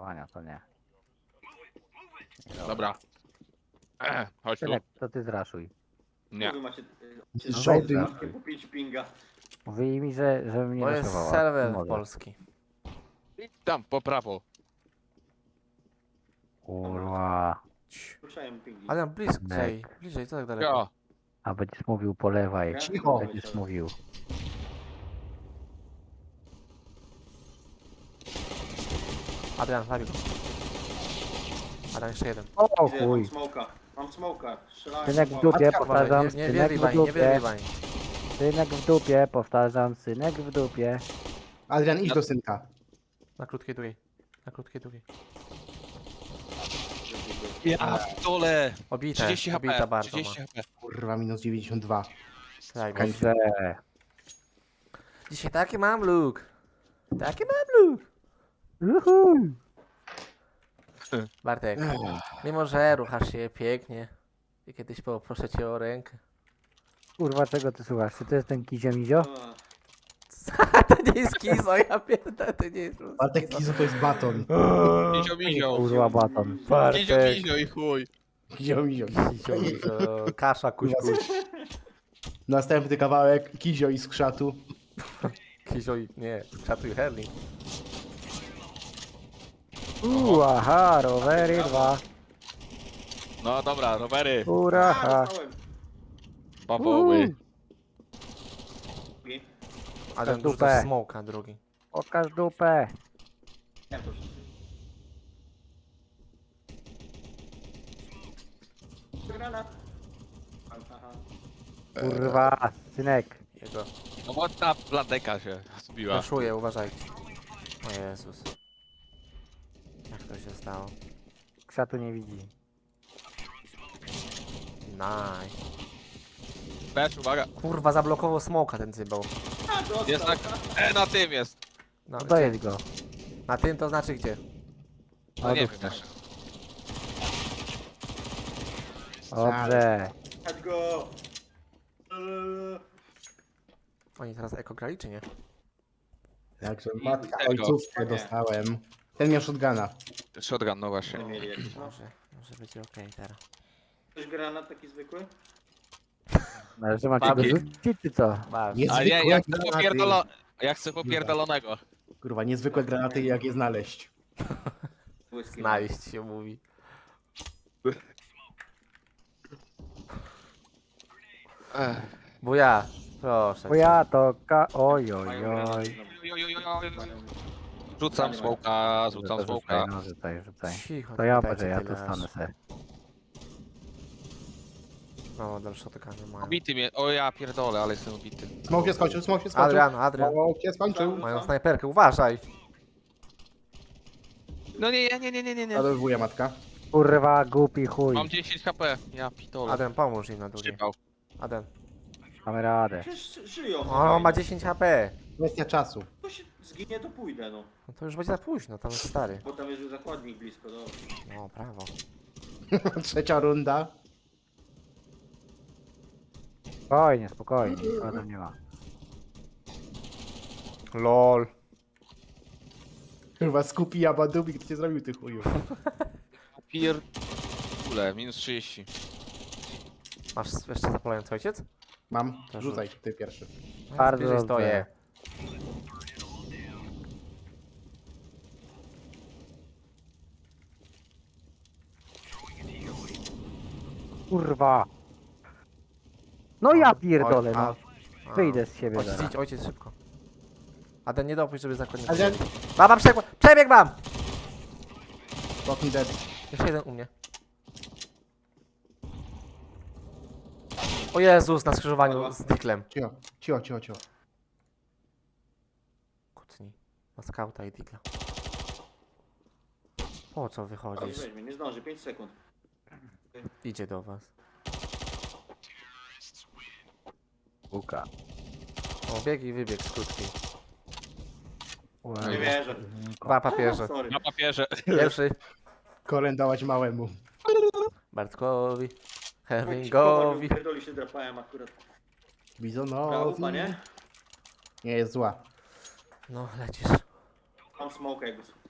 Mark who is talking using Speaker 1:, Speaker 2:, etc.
Speaker 1: raszowania, to nie.
Speaker 2: Dobra. Chodź tu.
Speaker 1: Synek, to ty zraszuj.
Speaker 2: Nie.
Speaker 3: Wy macie
Speaker 1: Żołdy.
Speaker 3: macie po 5 pinga.
Speaker 1: Mówi mi, że mnie
Speaker 4: To jest
Speaker 1: raszowała.
Speaker 4: serwer
Speaker 1: Może.
Speaker 4: polski.
Speaker 2: I tam po prawo.
Speaker 1: Kurwa.
Speaker 3: Słyszałem pingi.
Speaker 4: Ale bliżej, bliżej, co tak daleko?
Speaker 2: Ja.
Speaker 1: A będziesz mówił polewaj.
Speaker 3: Cicho.
Speaker 1: Będziesz mówił.
Speaker 4: Adrian, zabij go. Adrian, jeszcze jeden.
Speaker 1: O
Speaker 3: Gdzie?
Speaker 1: chuj.
Speaker 3: Mam smoka. Mam smoka. Strzelałem
Speaker 1: Synek w
Speaker 3: smoka.
Speaker 1: dupie,
Speaker 4: Uważaj,
Speaker 1: powtarzam.
Speaker 4: nie
Speaker 1: Synek
Speaker 4: wierwij
Speaker 1: w
Speaker 4: bań, nie
Speaker 1: dupie.
Speaker 4: wierwij bań.
Speaker 1: Synek w dupie, powtarzam. Synek w dupie.
Speaker 5: Adrian, idź do synka.
Speaker 4: Na krótkiej długiej. Na krótkiej długiej.
Speaker 2: Ja dole.
Speaker 4: Obite,
Speaker 2: 30
Speaker 4: obita
Speaker 2: HP.
Speaker 4: bardzo
Speaker 2: 30
Speaker 4: ma.
Speaker 2: HP.
Speaker 5: Kurwa, minus 92.
Speaker 4: Daj,
Speaker 1: Dobrze.
Speaker 4: dzisiaj taki mam look. Taki mam look.
Speaker 1: Uhu.
Speaker 4: Bartek, mimo że ruchasz się pięknie i kiedyś poproszę cię o rękę.
Speaker 1: Kurwa, czego ty słuchasz? Czy to jest ten Kizio-Mizio?
Speaker 4: To nie jest kizo, ja pierdolę, to nie jest po prostu
Speaker 5: Bartek Kizo to jest baton.
Speaker 2: Mizio, mizio.
Speaker 1: Kurwa, baton.
Speaker 2: Mizio,
Speaker 4: Bartek,
Speaker 2: mizio i chuj.
Speaker 5: Kizio, mizio.
Speaker 4: Kizio, mizio, kasza, kuś, kuś.
Speaker 5: Następny kawałek, Kizio i skrzatu.
Speaker 4: Kizio i, nie, czatuj Herling.
Speaker 1: Aha, rowery 2.
Speaker 2: No dobra, rowery.
Speaker 1: Uraha.
Speaker 3: Dostałem.
Speaker 2: Bawoły.
Speaker 4: Adam
Speaker 1: dupę.
Speaker 4: dużo smoka drugi.
Speaker 1: Pokaż dupę.
Speaker 3: Ja to Granat. Aha.
Speaker 1: Kurwa, synek.
Speaker 4: Jego.
Speaker 2: No bo ta bladeka się zbiła.
Speaker 4: Raszuję, uważajcie. O Jezus. Jak to się stało?
Speaker 1: Krzatu nie widzi.
Speaker 4: Nice.
Speaker 2: Też uwaga.
Speaker 4: Kurwa, zablokował smoka ten cybał.
Speaker 3: A, dostał.
Speaker 2: Jest na tym jest.
Speaker 4: No,
Speaker 1: No
Speaker 4: gdzie?
Speaker 1: dojedź go.
Speaker 4: Na tym to znaczy gdzie?
Speaker 2: No nie
Speaker 1: Odłóż
Speaker 2: wiem jeszcze.
Speaker 1: Dobrze.
Speaker 3: Chodź go.
Speaker 4: Oni teraz eko grali czy nie?
Speaker 5: Także matka,
Speaker 2: Tego.
Speaker 5: ojcówkę dostałem. Ten miał shotguna.
Speaker 2: Shotgun, no właśnie.
Speaker 3: Nie mieli jakiś, no.
Speaker 4: Może być okej teraz.
Speaker 3: Ktoś granat taki zwykły?
Speaker 1: Ale że macie go
Speaker 4: Babi.
Speaker 1: rzucić, czy co?
Speaker 4: Masz.
Speaker 5: Jest-
Speaker 2: A nie,
Speaker 5: Zwykłe
Speaker 2: ja chcę
Speaker 5: granaty.
Speaker 2: Ja chcę popierdolonego.
Speaker 5: Kurwa, niezwykłe granaty, jak je znaleźć.
Speaker 3: Błyski.
Speaker 4: Znaleźć się mówi. Bo ja, proszę.
Speaker 1: Bo ja to Oj, oj,
Speaker 3: Mają
Speaker 1: oj.
Speaker 3: granat.
Speaker 2: Rzucam smoka, rzucam
Speaker 1: Rzucaj,
Speaker 2: smoka.
Speaker 1: no, rzucaj, rzucaj.
Speaker 4: Cicho,
Speaker 1: To ja
Speaker 4: dajcie
Speaker 1: może, ja tu
Speaker 4: tyle
Speaker 1: stanę
Speaker 4: aż.
Speaker 1: se.
Speaker 4: No, dalsze tykanie mają.
Speaker 2: Obity mnie, o ja pierdolę, ale jestem obity.
Speaker 5: Smok się skończył, smok się skończył.
Speaker 4: Adrian.
Speaker 5: Smok się skończył.
Speaker 4: Mają snajperkę, uważaj.
Speaker 2: No nie.
Speaker 5: Adolwuję matka.
Speaker 1: Kurwa, głupi chuj.
Speaker 2: Mam 10 HP, ja pitole.
Speaker 4: Adrian, pomóż im na drugiej.
Speaker 2: Szczypał.
Speaker 4: Adrian.
Speaker 1: Mamy radę.
Speaker 3: Przecież żyją.
Speaker 4: O, ma 10 HP.
Speaker 5: Kwestia czasu.
Speaker 3: To się zginie, to pójdę, no.
Speaker 4: No to już będzie za późno, tam jest stary.
Speaker 3: Bo tam jest już zakładnik blisko, no.
Speaker 4: No, prawo.
Speaker 5: Trzecia runda.
Speaker 1: Spokojnie, spokojnie. Nikogo tam nie ma.
Speaker 4: LOL.
Speaker 5: Kurwa, skupi Jabadubik, kto cię zrobił ty chuju.
Speaker 2: Pierdolę, minus 30.
Speaker 4: Masz jeszcze zapalający ojciec?
Speaker 5: Mam,
Speaker 4: To
Speaker 5: rzucaj, ty pierwszy.
Speaker 4: No,
Speaker 1: Bardzo
Speaker 4: bliżej
Speaker 1: dobrze.
Speaker 4: stoję.
Speaker 1: Kurwa. No ja pierdolę,
Speaker 4: Oj,
Speaker 1: no.
Speaker 4: a.
Speaker 1: Wyjdę z siebie
Speaker 4: Ojciec,
Speaker 1: zaraz.
Speaker 4: idź, ojciec, szybko. Adrian, nie dopuść, żeby zakładnik...
Speaker 5: Adrian,
Speaker 4: Baba, przebieg mam!
Speaker 5: fucking dead.
Speaker 4: Jeszcze jeden u mnie. O Jezus, na skrzyżowaniu z Dicklem.
Speaker 5: Cicho.
Speaker 4: Kucnij. Na skauta i Dickla. Po co wychodzisz?
Speaker 3: Weźmie, nie zdąży, 5 sekund.
Speaker 4: Idzie do was.
Speaker 1: Buka.
Speaker 4: O, bieg i wybieg z krótkiej.
Speaker 3: Nie wierzę.
Speaker 4: Dwa papierze.
Speaker 3: Sorry.
Speaker 2: Na papierze.
Speaker 4: Pierwszy
Speaker 5: Koren dałaś małemu.
Speaker 4: Bartkowi.
Speaker 3: Powiem
Speaker 4: Herlingowi.
Speaker 3: ci, pierdoli się drapałem akurat.
Speaker 5: Bizonowi.
Speaker 3: Brawo, nie?
Speaker 5: Nie jest zła.
Speaker 4: No, lecisz.
Speaker 3: Mam smoke, jakby.